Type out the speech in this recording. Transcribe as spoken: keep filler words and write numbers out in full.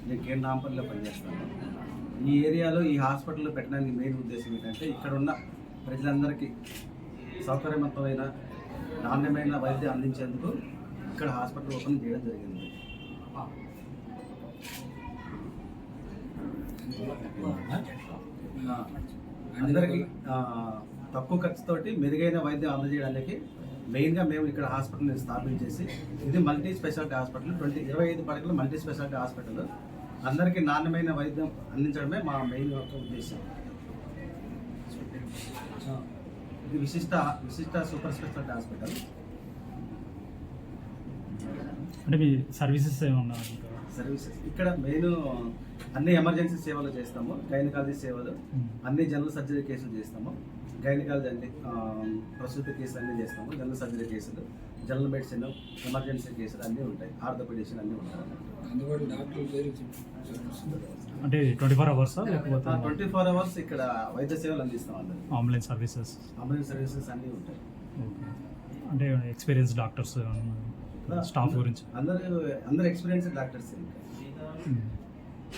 నేను కేంద్ర నాంపల్లిలో పనిచేస్తాను. ఈ ఏరియాలో ఈ హాస్పిటల్ పెట్టడానికి మెయిన్ ఉద్దేశం ఏంటంటే ఇక్కడ ఉన్న ప్రజలందరికీ సౌకర్యవంతమైన నాణ్యమైన వైద్యం అందించేందుకు ఇక్కడ హాస్పిటల్ ఓపెన్ చేయడం జరిగింది. అందరికీ తక్కువ ఖర్చుతోటి మెరుగైన వైద్యం అందజేయడానికి మెయిన్గా మేము ఇక్కడ హాస్పిటల్ని స్థాపించేసి, ఇది మల్టీ స్పెషాలిటీ హాస్పిటల్, ట్వంటీ ఇరవై ఐదు పడకల మల్టీ స్పెషాలిటీ హాస్పిటల్, అందరికీ నాణ్యమైన వైద్యం అందించడమే మా మెయిన్ యొక్క ఉద్దేశం. ఇది విశిష్ట విశిష్ట సూపర్ స్పెషాలిటీ హాస్పిటల్. అంటే మీ సర్వీసెస్ ఏమన్నా? సర్వీసెస్ ఇక్కడ మెయిన్ అన్ని ఎమర్జెన్సీ సేవలు చేస్తాము, గైనకాలజీ సేవలు, అన్ని జనరల్ సర్జరీ కేసులు చేస్తాము. గైనకాలజీ అన్ని ప్రసూతి కేసులు అన్నీ చేస్తాము, జనరల్ సర్జరీ కేసులు, జనరల్ మెడిసిన్, ఎమర్జెన్సీ కేసులు అన్నీ ఉంటాయి, ఆర్థోపెడిషన్ అన్నీ ఉంటాయి. అంటే ట్వంటీ ఫోర్ అవర్స్ లేకపోతే ట్వంటీ ఫోర్ అవర్స్ ఇక్కడ వైద్య సేవలు అందిస్తాం. అందరూ అంబులెన్స్ సర్వీసెస్ అంబులెన్స్ సర్వీసెస్ అన్నీ ఉంటాయి. అంటే ఎక్స్పీరియన్స్ డాక్టర్స్ స్టాఫ్ గురించి అందరూ అందరూ ఎక్స్పీరియన్స్ డాక్టర్స్.